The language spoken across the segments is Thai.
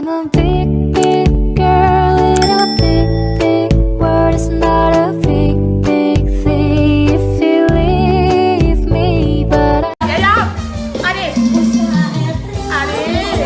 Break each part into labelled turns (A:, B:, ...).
A: I'm a big, big girl in a big, big world. It's not a big, big thing if you leave me, but I
B: ยาวๆอันนี้อันนี้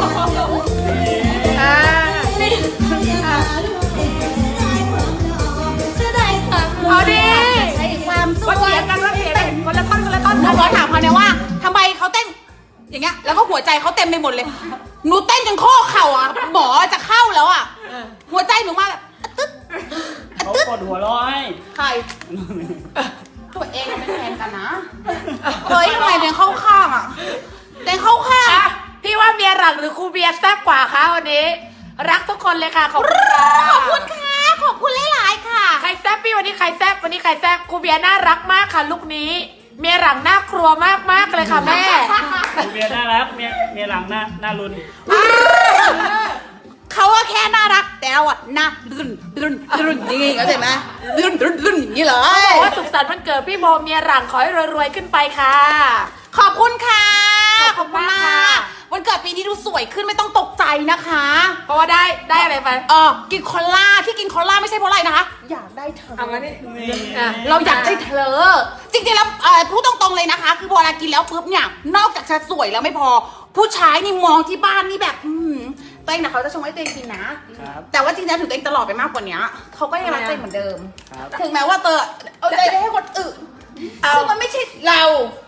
B: เอาดิใช้ความสวยเถียงกันว่าเถียงกันคนละท่อนคนละท่อนเราถามเขาเนี่ยว่าทำไมเขาเต้นอย่างเงี้ยแล้วก็หัวใจเขาเต็มไปหมดเลยหนูเต้นจนข้อเข่าอ่ะหมอจะเข้าแล้วอ่ะหัวใจหนูมาแบบตึ๊ด
C: เขาปวดหัวร้อย
B: ใครตัวเองเป็นแฟนกันนะเฮ้ยทำไมเดินเข้าข้างอ่ะเดินเข้าข้างพี่ว่าเมียหลังหรือครูเบียร์แซ่บกว่าคะวันนี้รักทุกคนเลยค่ะขอบคุณค่ะขอบคุณค่ะขอบคุณหลายๆค่ะใครแซ่บพี่วันนี้ใครแซ่บวันนี้ใครแซ่บครูเบียร์น่ารักมากค่ะลูกนี้เมียหลังน่ากลัวมากๆเลยค่ะแม่
C: เมียน่ารักเมียหลังหน้ารุน
B: เขาว่าแค่น่ารักแต่เราอ่ะน่ารุ่นอย่างงี้เข้าใจไหมรุ่นอย่างนี้เลยบอกว่าสุขสันต์วันเกิดพี่โบเมียหลังขอให้รวยๆขึ้นไปค่ะขอบคุณค่ะขอบคุณมากวันเกิดปีนี้ดูสวยขึ้นไม่ต้องตกใจนะคะเพราะว่าได้อะไรไปกินคอลล่าที่กินคอลล่าไม่ใช่เพราะอะไรนะคะอยากได้เธอเอามาดิเราอยากได้เธอจริงๆแล้วพูดตรงๆเลยนะคะคือพอเรากินแล้วปุ๊บเนี่ยนอกจากจะสวยแล้วไม่พอผู้ชายนี่มองที่บ้านนี่แบบตัวเองนะเขาจะชงให้ตัวเองกินนะแต่ว่าจริงๆถึงตัวเองตลอดไปมากกว่านี้เขาก็ยังรักตัวเองเหมือนเดิมถึงแม้ว่าเอาใจได้ให้คนอื่นคือมันไม่ใช่เรา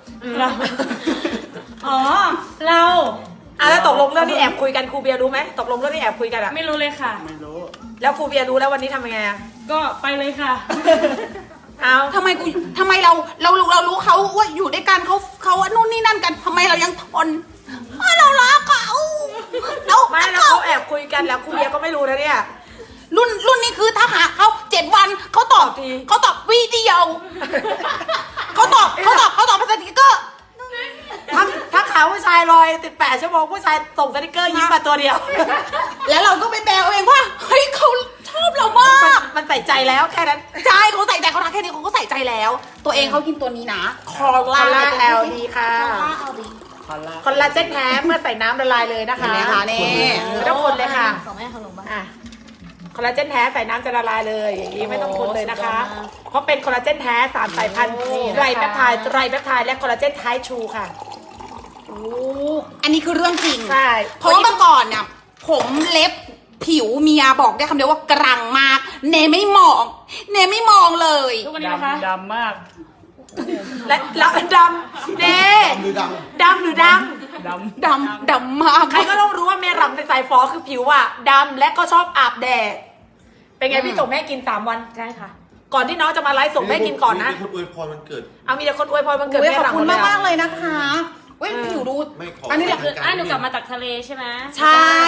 D: อ๋อเรา
E: แล้วตกลงเรื่องนี้แอบคุยกันครูเบียร์รู้ไหมตกลงเรื่องนี้แอบคุยกันอะ
D: ไม่รู้เลยค่ะ
C: ไม่รู้
E: แล้วครูเบียร์รู้แล้ววันนี้ทำยังไงอะ
D: ก็ไปเลยค่ะ
E: เอา
B: ทำไมเรารู้เขาว่าอยู่ด้วยกันเขานู่นนี่นั่นกันทำไมเรายังทนเรารักเขา
E: ไม่แล้วเขาแอบคุยกันแล้วครูเบียร์ก็ไม่รู้นะเนี่ย
B: รุ่นนี้คือถ้าหาเขา7 วันเขาตอบวิดีโอเขาตอบภาษาสติกเกอร์
E: ถ้าขาวผู้ชายลอย18 ชั่วโมงผู้ชายส่งสติกเกอร์ยิ้มมาตัวเดียว
B: แล้วเราก็ไปแปลเองว่าเฮ้ยเขาชอบเรามาก
E: มันใส่ใจแล้วแค่นั้น
B: ใช่เขาใส่ใจเขาทักแค่นี้เขาก็ใส่ใจแล้ว ตัวเองเขากินตัวนี้นะคอ
E: คอล
B: ล่า
E: ลาแอลดีค่ะคอลลาเจนแท้เมื่อใส่น้ำละลายเลยนะคะ
B: เห็นไหมคะนี่
E: ไม่ต้องคนเลยค่ะ
A: ของแม่ขนมบ้า
E: คอลลาเจนแท้ใส่น้ำจะละลายเลยอย่างนี้ไม่ต้องคนเลยนะคะ เพราะเป็นคอลลาเจนแท้3 สายพันธุ์ไรแปปไทด์และคอลลาเจนไทป์ชูค่ะ
B: อันนี้คือเรื่องจริง
E: ใช่
B: เพราะว่าเมื่อก่อนเนี่ยผมเล็บผิวเมียบอกได้คำเดียวว่ากรังมาก เนไม่มองเลย
D: ทุกวันนี้นะคะ
C: ดำมาก
E: และดำเน่ดำหรือดัง
B: ดำมาก
E: ใครก็ต้องรู้ว่าเมรัมในสายฟอคือผิวอะดำและก็ชอบอาบแดดเป็นไงพี่ส่งแม่กิน3 วันใช่ค่ะ ก่อนที่น้องจะมาไลฟ์ส่งแม่กินก่อนนะ
F: มีคนอวยพรวันเกิด
E: เอามีแต่คนอวยพรวันเกิด
B: โอ้ย
E: แม่
B: ขอบ
E: รัม
B: คุณ
E: หมด
B: มาก
E: เลย
B: มากๆเลยนะคะเว้ยผิวดู
F: ไม่ขอ
B: อันนี้
D: คือหนูกลับมาจากทะเลใช่ไหม
B: ใช่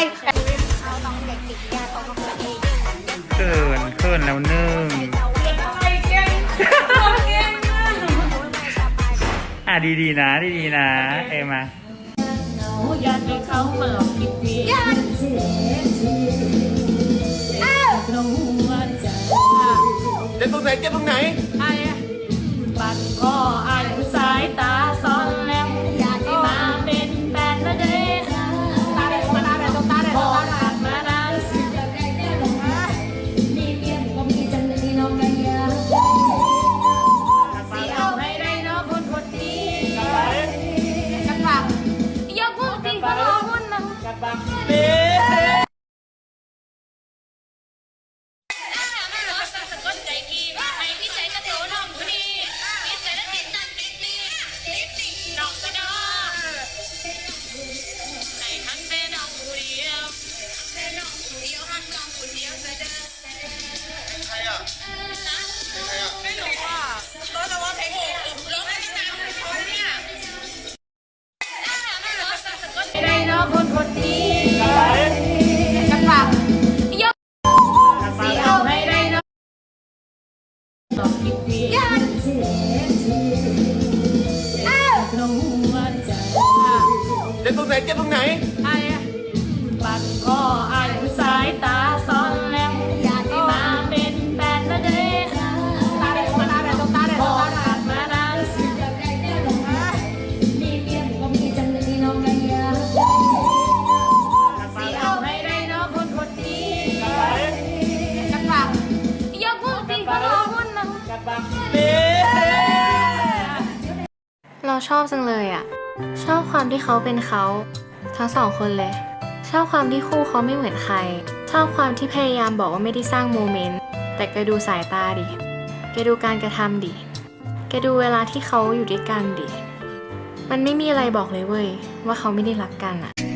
C: เขินแล้วนึ่งดีๆนะเอมา
D: อยากให้เขามาคิดดีลงหัวใจ
F: เจ็บตรงไหนเจ็บตรงไหน
D: ปัดคออายสายตาซ้อนแล้วอยากให้มาเป็นแฟนนะเด้ตาแดงพอผ่านมานานสิเอาให้ได้เนาะคนดีกันฝากยกมือตีก็รอหุ่นนะ
G: สะกดใจพี่ให้พี่ใจก็เทชอบจังเลยอะชอบความที่เขาเป็นเขาทั้งสองคนเลย ชอบความที่คู่เขาไม่เหมือนใคร ชอบความที่พยายามบอกว่าไม่ได้สร้างโมเมนต์แต่แกดูสายตาดิแกดูการกระทำดิแกดูเวลาที่เขาอยู่ด้วยกันดิมันไม่มีอะไรบอกเลยเว้ยว่าเขาไม่ได้รักกันอะ